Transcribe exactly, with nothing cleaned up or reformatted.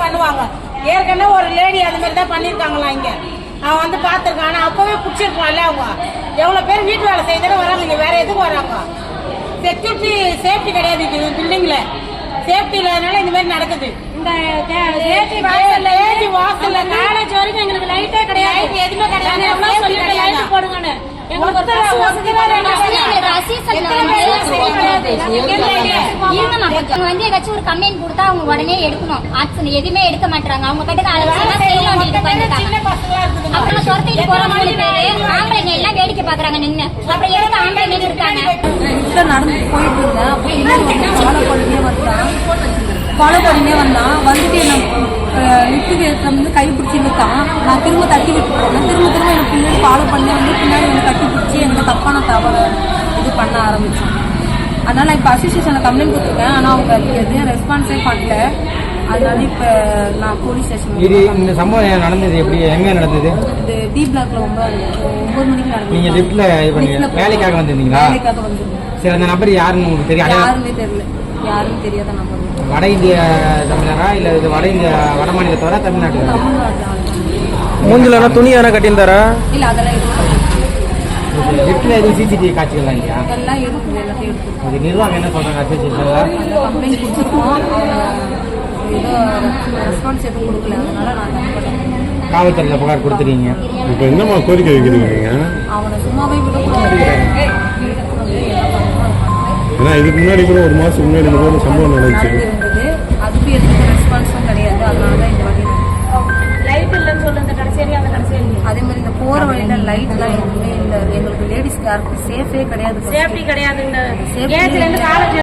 பண்ணுவாங்க. ஏற்கனவே ஒரு லேடி அது மாதிரி தான் பண்ணியிருக்காங்களா இங்கே. அவன் வந்து பார்த்துருக்கான். ஆனால் அப்போவே பிடிச்சிருப்பான்ல. அவங்க எவ்வளோ பேர் வீட்டு வேலை செய்தாலும் வராங்க. இங்கே வேற எதுக்கு வராங்க? செக்யூரிட்டி சேஃப்டி கிடையாது இது பில்டிங்கில். சேஃப்டி இல்லாதனால இந்த மாதிரி நடக்குது. இந்த வாசல்ல காலேஜ் வரைக்கும் எங்களுக்கு லைட்டே கிடையாது. எதுவுமே கிடையாது. போடுங்கன்னு ஏதாச்சும் ஒரு கம்ப்ளைண்ட் கொடுத்தா அவங்க உடனே எடுக்கணும். ஆக்சன் எதுவுமே எடுக்க மாட்டாங்க. அவங்க கிட்ட அப்புறம் துரத்திட்டு போறவங்க பேரு ஆம்பளைங்க எல்லாம் வேடிக்கை பாக்குறாங்க நின்று. அப்புறம் எதுக்கு ஆம்பளைங்க இருக்காங்க? நடந்து போயிட்டு இருந்தேன். ஃபாலோ பண்ணியே வந்தான் ஃபாலோ பண்ணியே வந்தான் வந்துட்டு என்ன லிஃப்ட்டுக்கு வந்து கை பிடிச்சி இழுத்தான். நான் திரும்ப தட்டி விட்டு போனேன். திரும்ப திரும்ப எனக்கு பின்னாடி ஃபாலோ பண்ணி வந்து பின்னாடி என்னை கட்டி பிடிச்சி எனக்கு தப்பான தவறு இது பண்ண ஆரம்பித்தேன். அதனால் நான் இப்போ அசோசியேஷனில் கம்ப்ளைண்ட் கொடுத்துருக்கேன். ஆனால் அவங்க அதுக்கு எதுவும் ரெஸ்பான்ஸே பண்ணல. அதனால இப்போ நான் போலீஸ் ஸ்டேஷன். இது இந்த சம்பவம் நடந்தது எப்படி, எங்கே நடந்தது? இது பி பிளாக்ல ஒன்பது ஒன்பது மணிக்கு நடந்தது. நீங்கள் லிஃப்ட்டில் இது பண்ணி வேலைக்காக வந்திருந்தீங்களா? வேலைக்காக வந்திருந்தேன். சரி, அந்த நபர் யாருன்னு உங்களுக்கு தெரியும்? யாருமே தெரியல. யாரும் தெரியாத நம்பர். வட இந்திய தமிழரா இல்லை இது வட இந்திய வட மாநிலத்தோட தமிழ்நாட்டு? மூஞ்சில துணி யாரா கட்டியிருந்தாரா? இல்ல அதெல்லாம் எதுவும் லிஃப்ட்ல எதுவும் சிசிடிவி காட்சிகள்லாம் இல்லையா? அதெல்லாம் இருக்குது. எல்லாத்தையும் எடுத்து அது நிர்வாகம் என்ன சொல்றாங்க? அசோசியேஷன்ல கம்ப்ளைண்ட் கொடுத்துருக்கோம். ஏதோ ரெஸ்பான்ஸ் எதுவும் கொடுக்கல. அதனால நான் காவல்துறையில் புகார் கொடுத்துருக்கீங்க. இப்போ என்னமா கோரிக்கை வைக்கிறீங்க? அவனை சும்மாவே விடக்கூடாது. ஏன்னா இதுக்கு முன்னாடி கூட ஒரு மாசத்துக்கு முன்னாடி இந்த மாதிரி சம்பவம் நடந்துச்சு. அதுக்கு எதுக்கு ரெஸ்பான்ஸும் கிடையாது. அதனால தான் இந்த வாட்டி லைட் இல்லைன்னு சொல்லுங்க. கடைசியா அந்த கடைசியா அதே மாதிரி இந்த போற வழியில லைட் எல்லாம் எதுவுமே இல்லை. எங்களுக்கு லேடிஸ்க்கு யாருக்கும் சேஃபே கிடையாது. சேஃப்டி கிடையாது. சேஃப்டி